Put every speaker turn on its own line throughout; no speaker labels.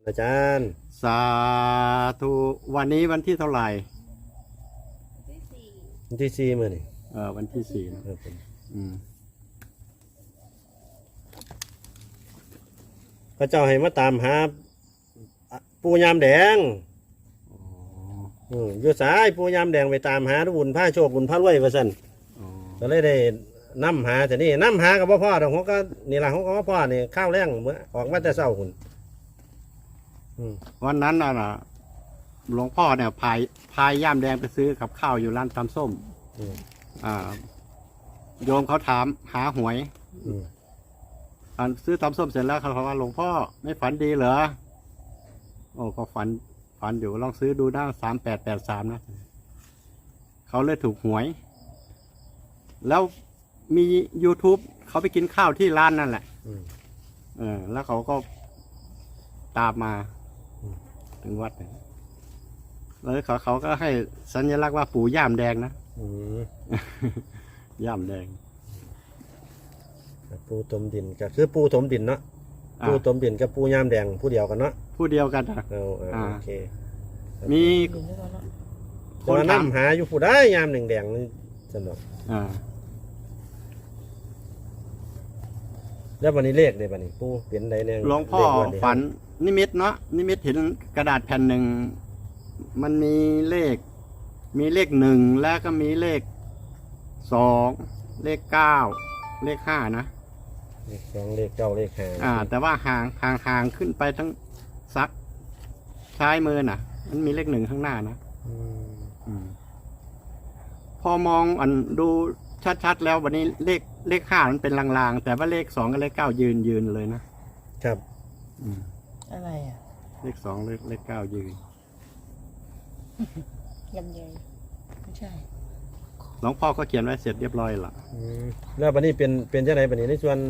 อาจารย์
สาธุวันนี้วันที่เท่าไหร่
วันที่สี่มื้อนี่
วันที่สี่นะ
พระเจ้าให้มาตามหาปูยามแดงอยู่สายปูยามแดงไปตามหาบุญผ้าโชคบุญผ้ารวยว่าซั่นก็เลยได้นำหาแต่นี่นำหากับพ่อดอกเขาก็นี่ล่ะเขาก็พ่อนี่ข้าวแรงเมื่อออกมาแต่เช้าคุณ
วันนั้นน่ะหลวงพ่อเนี่ยพายย่ามแดงไปซื้อกับข้าวอยู่ร้านตำส้มโยมเขาถามหาหวยซื้อตำส้มเสร็จแล้วเขาบอกว่าหลวงพ่อไม่ฝันดีเหรอโอ้ก็ฝันอยู่ลองซื้อดูนะ3883นะเขาเลยถูกหวย แล้วมี YouTube เขาไปกินข้าวที่ร้านนั่นแหละแล้วเขาก็ตามมาถึงวัดแล้วเขาก็ให้สัญลักษณ์ว่าปู่ย่ามแดงนะย่ามแดง
ปูตมดินก็คือปูถมดินเนาะปูตมดินกับปูย่ามแดงผู้เดียวกันเนาะ
ผู้เดียวกัน
โอเค
มี
คนนำหาอยู่ผู้ได้ย่ามแดงนี่สนุกแล้ววันนี้เลขเลยวันนี้ปูเปลี่ยนใดเนี่ย
หลวงพ่อฝันนิมิตเนาะนิมิตเห็นกระดาษแผ่นหนึ่งมันมีเลข1แล้วก็มีเลข2เลข9เลข5นะ
เลข2เลข9เลข5
แต่ว่าห่างขึ้นไปทั้งซักซ้ายมือน่ะมันมีเลข1ข้างหน้านะพอมองดูชัดๆแล้ววันนี้เลข5มันเป็นลางๆแต่ว่าเลข2กับเลข9ยืนเลยนะครับ
อะไรอ่ะ
เลข2เลข9ยืน
ลำไยไม่ใช่
หลวงพ่อก็เขียนไว้เสร็จเรียบร้อยละ
แล้ววันนี้เป็นจังไดบัดนี้ในส่วน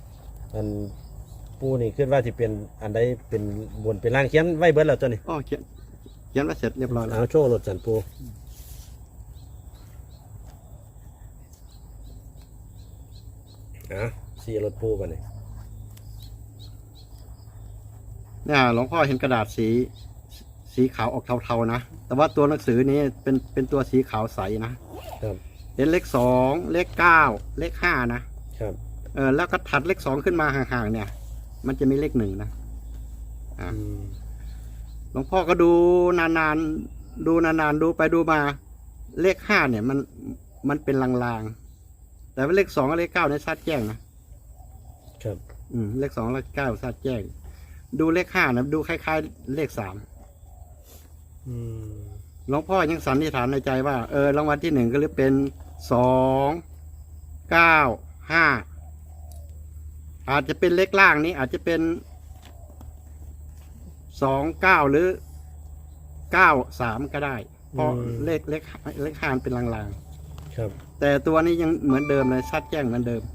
ปูนี่คิดว่าสิเป็นอันใดเป็นบนเป็นล่างเขียนไว้เบิดแล้วตัวนี้
เขียนไว้เสร็จเรียบร้อยแล้ว
เอาโชว์รถสันปูสี่รถปูกันเลย
เนี่ยหลวงพ่อเห็นกระดาษสีขาวออกเทาๆนะแต่ว่าตัวหนังสือนี้เป็นตัวสีขาวใสนะครับเห็นเลข2เลข9เลข5นะครับแล้วก็ถัดเลข2ขึ้นมาห่างๆเนี่ยมันจะมีเลข1นะหลวงพ่อก็ดูนานๆดูไปดูมาเลข5เนี่ยมันเป็นลางๆแต่ว่าเลข2กับเลข9เนี่ยชัดแจ้งนะครับเลข2เลข9ชัดแจ้งดูเลข5นะดูคล้ายๆเลข3หลวงพ่อยังสันนิษฐานในใจว่ารางวัลที่1ก็หรือเป็น2 9 5อาจจะเป็นเลขล่างนี้อาจจะเป็น2 9หรือ9 3ก็ได้เพราะเลข5เป็นลาง
ๆครับ
แต่ตัวนี้ยังเหมือนเดิมเลยชัดแจ้งเหมือนเดิม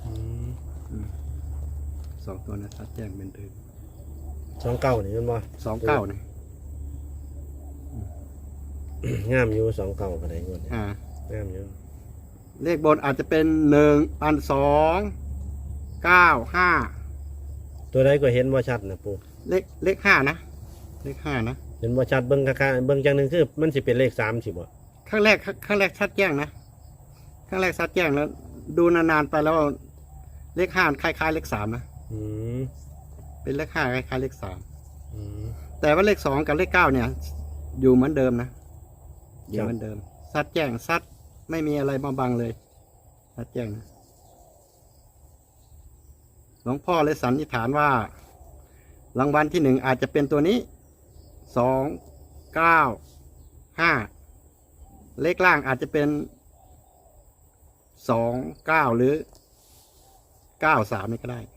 2ตัวนะชัดแจ้งเหมือนเดิม
29นี่มันบ่
29นี่
งามอยู่29ก็ได้งวดนี้งามอยู่
เลขบนอาจจะเป็น2 9 5
ตัวใดก็เห็นบ่ชัดนะปู่
เลข5นะเลข5นะ
เห็นบ่ชัดเบิ่งค่าเบิ่งจังนึงคือมันสิเป็นเลข3สิบ่
ครั้งแรกชัดแจ้งนะครั้งแรกชัดแจ้งแล้วดูนานๆไปแล้วเลข5คล้ายๆเลข3นะเป็นเลข5คล้ายๆเลข3แต่ว่าเลข2กับเลข9เนี่ยอยู่เหมือนเดิมนะอยู่เหมือนเดิมชัดแจ้งชัดไม่มีอะไรมาบังเลยชัดแจ้งนะหลวงพ่อเลยสันนิษฐานว่ารางวัลที่1อาจจะเป็นตัวนี้2 9 5เลขล่างอาจจะเป็น2 9หรือ9 3นี่ก็ได้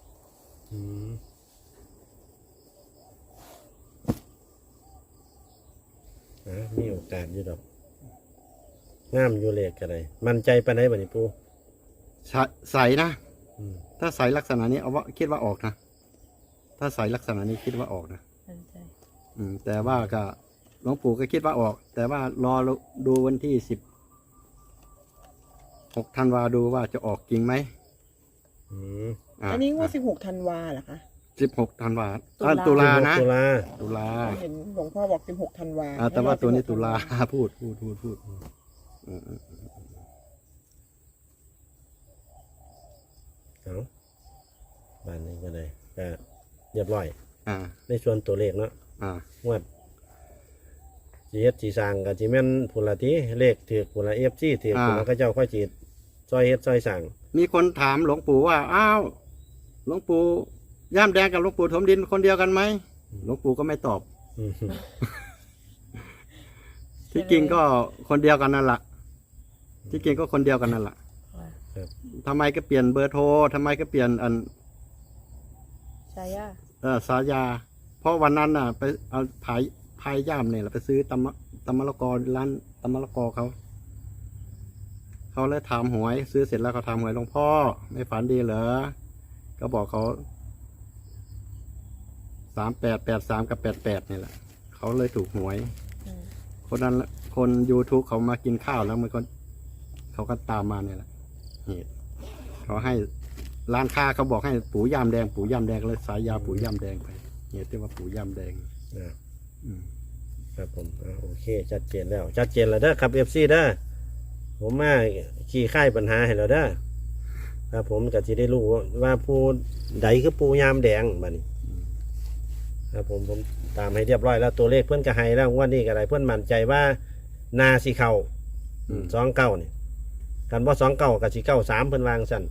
มีโอกาสอยู่ดอกงามอยู่เลขก็ได้มั่นใจปานใดบัดนี้ปู่
ใสนะถ้าใสลักษณะนี้เอาว่าคิดว่าออกนะถ้าใสลักษณะนี้คิดว่าออกนะแต่ว่าก็หลวงปู่ก็คิดว่าออกแต่ว่ารอดูวันที่16 ธันวาดูว่าจะออกจริงไหม
อันนี้ว่า16 ธันวาเหรอคะ
16 ธันวา
ตุลา
ตุลานะ
ตุลา
ตุลา
เห็นหลวงพ่อบอก16 ธันวา
แต่ว่าตัวนี้ตุลาพูดอืม
เอาบ้านนี้ก็ได้ก็เรียบร้อย
อ่า
ในส่วนตัวเลขเนาะ
อ่า
งวดจีเฮ็ดจีสร้างกับจีแม่นผุนละทีเลขถือผุนละFCถือผุนละก็เจ้าค่อยจีซอยเฮ็ดซอยสั่ง
มีคนถามหลวงปู่ว่าอ้าวหลวงปู่ย่ามแดงกับหลวงปู่ถมดินคนเดียวกันไหมหลวงปู่ก็ไม่ตอบ
อืม
ที่จริงก็คนเดียวกันนั่นแหละที่จริงก็คนเดียวกันนั่นแหละทำไมก็เปลี่ยนเบอร์โทรทำไมก็เปลี่ยน
ชายา
สายา เพราะวันนั้นน่ะ ไปเอาพายย่ามเนี่ยแหละไปซื้อตำมะละกอร้านตำมะละกอเขาเลยถามหวย ซื้อเสร็จแล้วเขาถามหวยหลวงพ่อไม่ฝันดีเหรอก็บอกเขา3883กับ88นี่แหละเขาเลยถูกหวย คนนั้นคน YouTube เขามากินข้าวแล้วมันก็เขาก็ตามมาเนี่ยแหละเหตุเขาให้ร้านค้าเขาบอกให้ปู่ย่ามแดงเลยสายยาปู่ย่ามแดงไปเหตุที่ว่าปู่ย่ามแดง
นะ
อืม
ครับผมโอเคชัดเจนแล้วชัดเจนแล้วเด้อครับ FC เด้อผมมาขี้ค่ายปัญหาให้เราเด้อครับผมก็จะได้รู้ว่าผู้ใดคือปูยามแดงบัดนี้ครับผมตามให้เรียบร้อยแล้วตัวเลขเพื่อนก็ให้แล้วงวันนี้ก็ได้เพื่อนมั่นใจว่านาสีเข่า29นี่กันว่า29กับสี93เพิ่นวางสั่น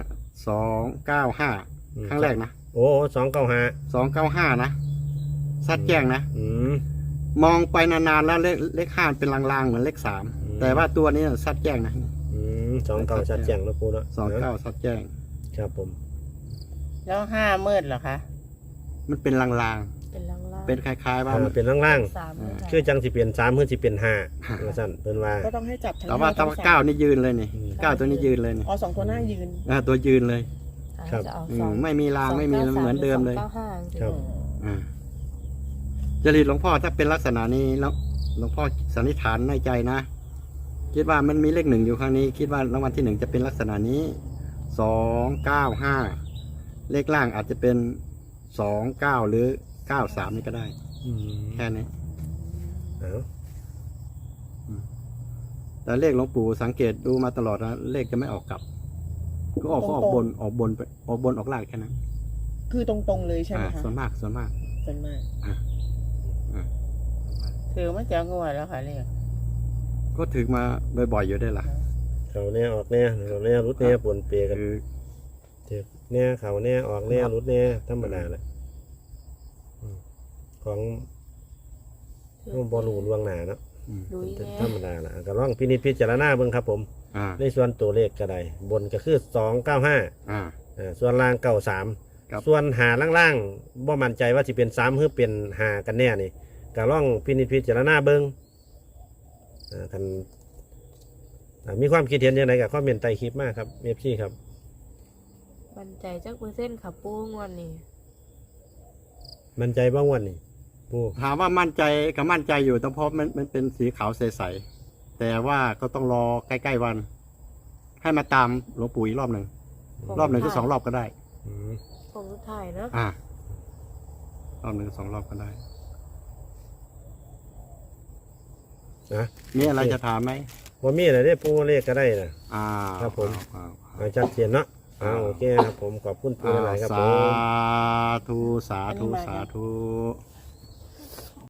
295ครั้งแรกนะ
โอ้295
295นะซัดแจ้งนะ มองไปนานๆแล้วเลข5เป็นลางๆเหมือนเลข3แต่ว่าตัวนี้ซัดแจ้งนะ
29ชัดแจ้งแล้วปูเนาะ
29ซัดแจ้ง
ครับผม
แล้ว5 มืดเหรอคะ
มันเป็นลาง
เป็นล่าง
ๆเป็นคล้ายๆว่า
มันเป็นล่าง
3มืด
ๆคือจังสิเปลี่ยน3เพื่อสิเปลี่ยน5ว่าสั่นเพิ่นว่า
ก็ต้องให้จับทั้ง
แต่ว่า
ทั้ง
เก้านี่ยืนเลยนี่เก้าตัวนี้ยืนเลยนี่
อ๋อ2 ตัวหน้ายืน
ตัวยืนเลย
ครับ
จะเอา
ไม่มีรางไม่มีเหมือนเดิมเลย
ครับ
จริตหลวงพ่อถ้าเป็นลักษณะนี้แล้วหลวงพ่อสันนิษฐานในใจนะคิดว่ามันมีเลข1อยู่ข้างนี้ คิดว่ารางวัลที่1จะเป็นลักษณะนี้295เลขล่างอาจจะเป็น29หรือ93นี่ก็ได้แค่นี้
เอา
แต่เลขหลวงปู่สังเกตดูมาตลอดนะเลขจะไม่ออกกลับ ก็ออกบนออกบนไปออกบนออกล่างแค่นั้น
คือตรงๆเลยใช่ไหมคะ
ส่วนมาก
ส่วนมาก ถือมาจากงวดแล้วค่ะเรียก
ก็ถึงมาบ่อยๆอยู่ได้ล่ะ
เขาเนี่ยออกเนี่ยเขาเนี่ยรุดเนี่ยปนเปกัน
คือ
เจ็บเนี่ยเขาเนี่ยออกเนี่ยรุดเนี่ยธรรมดาแหละของบอลูล่วงหนาเนาะ
ลุย
เป็น
แน่
ธรรมดาแหละก็ลองพินิจพิจารณาเบิ่งครับผม
อ่า
ในส่วนตัวเลขก็ได้บนก็คือ295
อ่า
ส่วนล่าง93
ครับ
ส่วนหาล่างๆบ่มั่นใจว่าสิเป็น3หรือเป็น5กันแน่นี่ก็ลองพินิจพิจารณาเบิ่งกันมีความคิดเห็นยังไงกับคอมเมนต์ใต้คลิปมากครับเอฟซีครับ
มั่นใจจักเปอร์เซ็นต์ค่ะปูงวันนี้
มั่นใจบ้างวันนี้ปู
ถามว่ามั่นใจก็มั่นใจอยู่แต่เพราะมันเป็นสีขาวใสๆแต่ว่าก็ต้องรอใกล้ๆวัน ให้มาตามหลวงปู่อีกรอบหนึ่งรอบหนึ่งก็2 รอบก็ได้
ผมสุดท้ายเนาะ
รอบหนึ่ง2 รอบก็ได้
นะ
มีอะไรจะถามไหม
ว่ามีอะไรได้ปูเลขก็ได้นะ
ครับผม
ชัดเจนเนาะโอเคครับผมขอบคุณปูหลายๆครับผ
สาม ธุสาธุสาธุ
ค